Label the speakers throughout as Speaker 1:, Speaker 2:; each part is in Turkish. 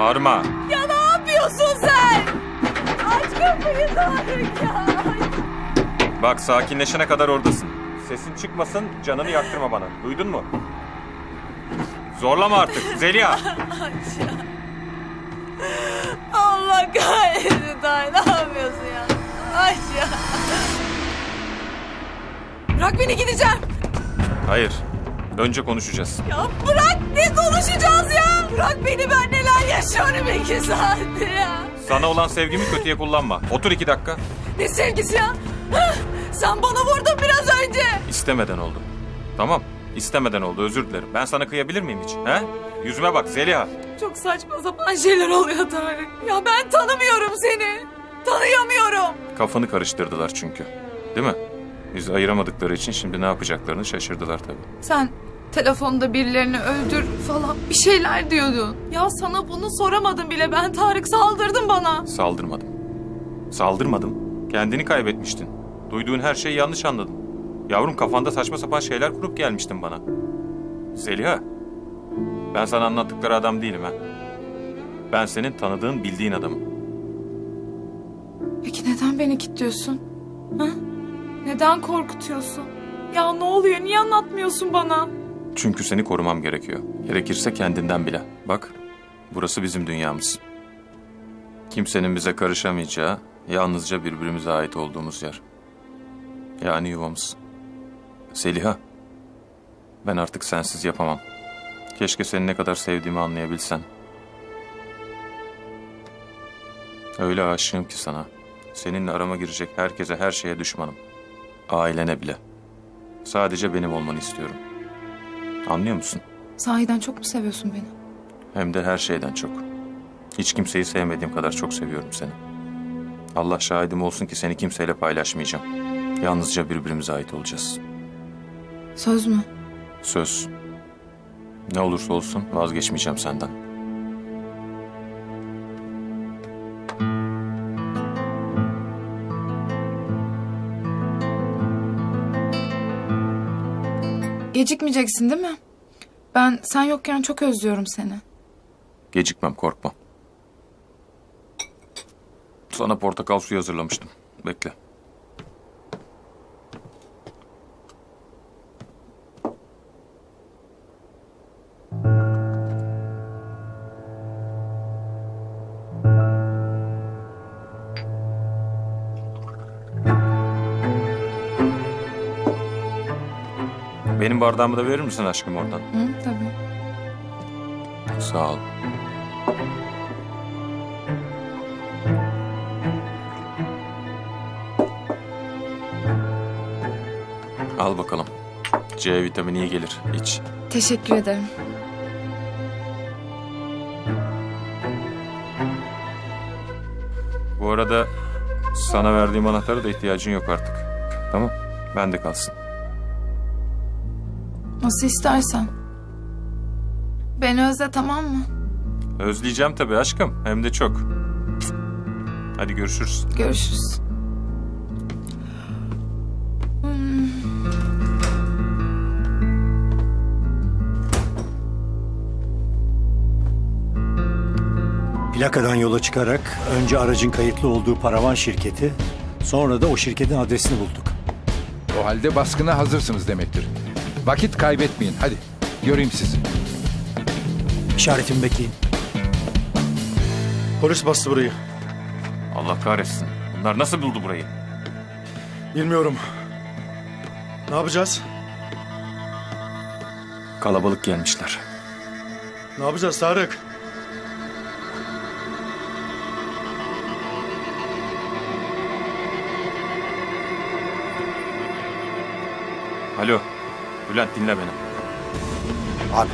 Speaker 1: Bağırma.
Speaker 2: Ya ne yapıyorsun sen? Aç kapıyı Tarık ya.
Speaker 1: Bak sakinleşene kadar oradasın. Sesin çıkmasın, canını yaktırma bana. Duydun mu? Zorlama artık Zeliha.
Speaker 2: Aç ya. Allah kahretsin Tarık, ne yapıyorsun ya? Aç ya. Bırak beni, gideceğim.
Speaker 1: Hayır. Önce konuşacağız.
Speaker 2: Ya bırak, ne konuşacağız ya? Bırak beni, ben neler yaşıyorum 2 saattir ya.
Speaker 1: Sana olan sevgimi kötüye kullanma. Otur 2 dakika.
Speaker 2: Ne sevgisi ya? Hah, sen bana vurdun biraz önce.
Speaker 1: İstemeden oldu. Tamam. İstemeden oldu. Özür dilerim. Ben sana kıyabilir miyim hiç? He? Yüzüme bak Zeliha.
Speaker 2: Çok saçma sapan şeyler oluyor Tarık. Ya ben tanımıyorum seni. Tanıyamıyorum.
Speaker 1: Kafanı karıştırdılar çünkü. Değil mi? Bizi ayıramadıkları için şimdi ne yapacaklarını şaşırdılar tabii.
Speaker 2: Sen telefonda birilerini öldür falan bir şeyler diyordun. Ya sana bunu soramadım bile ben Tarık, saldırdın bana.
Speaker 1: Saldırmadım. Saldırmadım. Kendini kaybetmiştin. Duyduğun her şeyi yanlış anladın. Yavrum kafanda saçma sapan şeyler kurup gelmiştin bana. Zeliha. Ben sana anlattıkları adam değilim ha. Ben senin tanıdığın, bildiğin adamım.
Speaker 2: Peki neden beni kilitliyorsun? Ha? Neden korkutuyorsun? Ya ne oluyor? Niye anlatmıyorsun bana?
Speaker 1: Çünkü seni korumam gerekiyor. Gerekirse kendinden bile. Bak, burası bizim dünyamız. Kimsenin bize karışamayacağı, yalnızca birbirimize ait olduğumuz yer. Yani yuvamız. Zeliha, ben artık sensiz yapamam. Keşke seni ne kadar sevdiğimi anlayabilsen. Öyle aşığım ki sana. Seninle arama girecek herkese, her şeye düşmanım. Ailene bile. Sadece benim olmanı istiyorum. Anlıyor musun?
Speaker 2: Sahiden çok mu seviyorsun beni?
Speaker 1: Hem de her şeyden çok. Hiç kimseyi sevmediğim kadar çok seviyorum seni. Allah şahidim olsun ki seni kimseyle paylaşmayacağım. Yalnızca birbirimize ait olacağız.
Speaker 2: Söz mü?
Speaker 1: Söz. Ne olursa olsun vazgeçmeyeceğim senden.
Speaker 2: Gecikmeyeceksin değil mi? Ben sen yokken çok özlüyorum seni.
Speaker 1: Gecikmem, korkma. Sana portakal suyu hazırlamıştım. Bekle. Benim bardağımı da verir misin aşkım oradan?
Speaker 2: Hı, tabii.
Speaker 1: Sağ ol. Al bakalım. C vitamini iyi gelir. İç.
Speaker 2: Teşekkür ederim.
Speaker 1: Bu arada sana verdiğim anahtara da ihtiyacın yok artık. Tamam? Bende kalsın.
Speaker 2: Nasıl istersen. Beni özle, tamam mı?
Speaker 1: Özleyeceğim tabii aşkım. Hem de çok. Hadi görüşürüz.
Speaker 2: Görüşürüz.
Speaker 3: Plakadan yola çıkarak önce aracın kayıtlı olduğu paravan şirketi, sonra da o şirketin adresini bulduk.
Speaker 4: O halde baskına hazırsınız demektir. Vakit kaybetmeyin. Hadi göreyim sizi.
Speaker 3: İşaretimi bekleyin.
Speaker 5: Polis bastı burayı.
Speaker 1: Allah kahretsin. Bunlar nasıl buldu burayı?
Speaker 5: Bilmiyorum. Ne yapacağız?
Speaker 1: Kalabalık gelmişler.
Speaker 5: Ne yapacağız Tarık?
Speaker 1: Alo. Bülent dinle beni.
Speaker 3: Abi.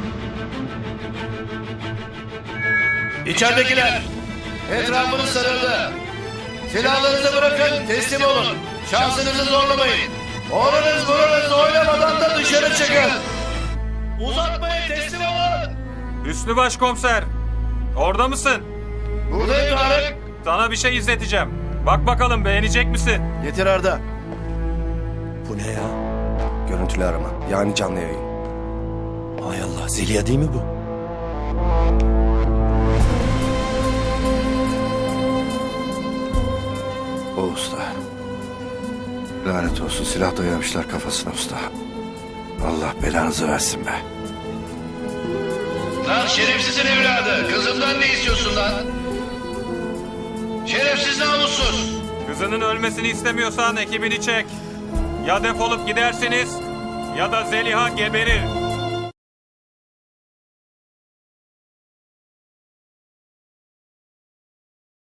Speaker 6: İçeridekiler etrafınız sarıldı. Silahlarınızı bırakın, teslim olun. Şansınızı zorlamayın. Oranız buranız oynamadan da dışarı çıkın. Uzatmayın, teslim olun.
Speaker 1: Hüsnü Başkomiser. Orada mısın?
Speaker 6: Buradayım Tarık.
Speaker 1: Sana bir şey izleteceğim. Bak bakalım beğenecek misin?
Speaker 6: Getir Arda.
Speaker 3: Bu ne ya?
Speaker 7: Görüntülü arama. Yani canlı yayın.
Speaker 3: Hay Allah, Zeliha değil mi bu?
Speaker 7: usta. Lanet olsun, silah dayamışlar kafasına usta. Allah belanızı versin be.
Speaker 6: Lan şerefsizin evladı. Kızımdan ne istiyorsun lan? Şerefsiz namussuz.
Speaker 1: Kızının ölmesini istemiyorsan ekibini çek. Ya defolup gidersiniz ya da Zeliha geberir.